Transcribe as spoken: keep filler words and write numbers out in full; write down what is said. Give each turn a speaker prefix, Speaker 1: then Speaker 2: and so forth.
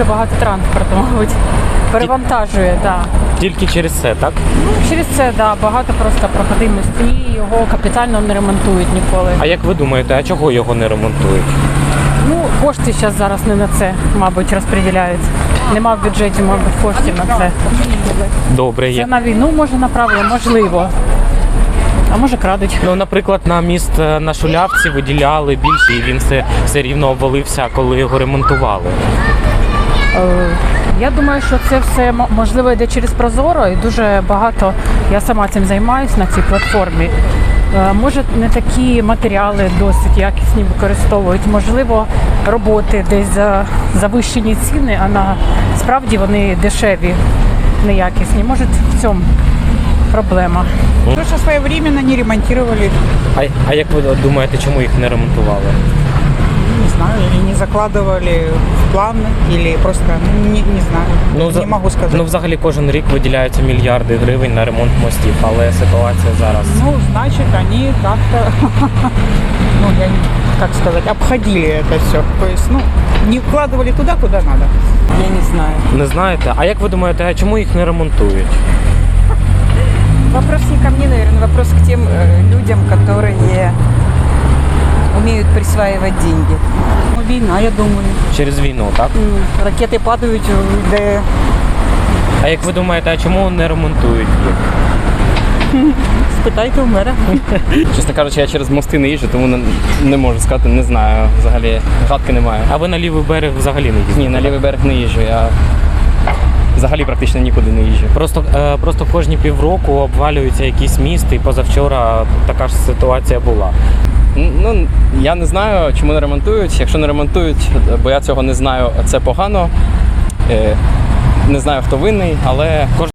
Speaker 1: дуже багато транспорту, мабуть, перевантажує, так.
Speaker 2: Тільки через це, так?
Speaker 1: Ну, через це, да, багато просто проходимості, і його капітально не ремонтують ніколи.
Speaker 2: А як ви думаєте, а чого його не ремонтують?
Speaker 1: Ну, кошти зараз зараз не на це, мабуть, розподіляють. Нема в бюджеті, мабуть, коштів на це.
Speaker 2: Добре,
Speaker 1: Це
Speaker 2: є.
Speaker 1: на війну, може, направили, можливо. А може, крадуть.
Speaker 2: Ну, наприклад, на міст е, на Шулявці виділяли більше, і він все, все рівно обвалився, коли його ремонтували.
Speaker 1: Е, Я думаю, що це все м- можливо йде через Прозоро, і дуже багато, я сама цим займаюся на цій платформі. Е, Може, не такі матеріали досить якісні використовують, можливо, роботи десь за завищені ціни, а насправді вони дешеві, неякісні. Може, в цьому проблема.
Speaker 3: Потому что своевременно не ремонтировали,
Speaker 2: А, а як ви думаєте, чому їх не ремонтували?
Speaker 3: не знаю, или не закладывали в план, или просто, ну, не, не знаю,
Speaker 2: за-
Speaker 3: не могу сказать.
Speaker 2: Ну, взагалі, кожен рік виділяються мільярди гривень на ремонт мостів, але ситуація зараз.
Speaker 3: Ну, значит, они как-то, ну, я не, как сказать, обходили это все. То есть, ну, не вкладывали туда, куда надо.
Speaker 4: Я не знаю.
Speaker 2: Не знаєте? А як ви думаєте, а чому їх не ремонтують?
Speaker 4: Вопрос не ко мне, наверное, вопрос к тем э, людям, которые умеют присваивать деньги.
Speaker 3: Ну, війна, я думаю.
Speaker 2: Через війну, так?
Speaker 3: М, Ракети падають, де
Speaker 2: А як ви думаєте, а чому не ремонтують їх?
Speaker 3: спитайте у мера.
Speaker 5: Чесно кажучи, я через мости не їжджу, тому не, не можу сказати, не знаю. Взагалі гадки немає.
Speaker 2: А ви на лівий берег взагалі не їздите?
Speaker 5: Ні, на лівий берег не їжджу. Я взагалі практично нікуди не їжджу.
Speaker 2: Просто, е, просто кожні півроку обвалюються якісь місти, і позавчора така ж ситуація була.
Speaker 5: Н- Ну, я не знаю, чому не ремонтують. Якщо не ремонтують, бо я цього не знаю, це погано. Е, Не знаю, хто винний, але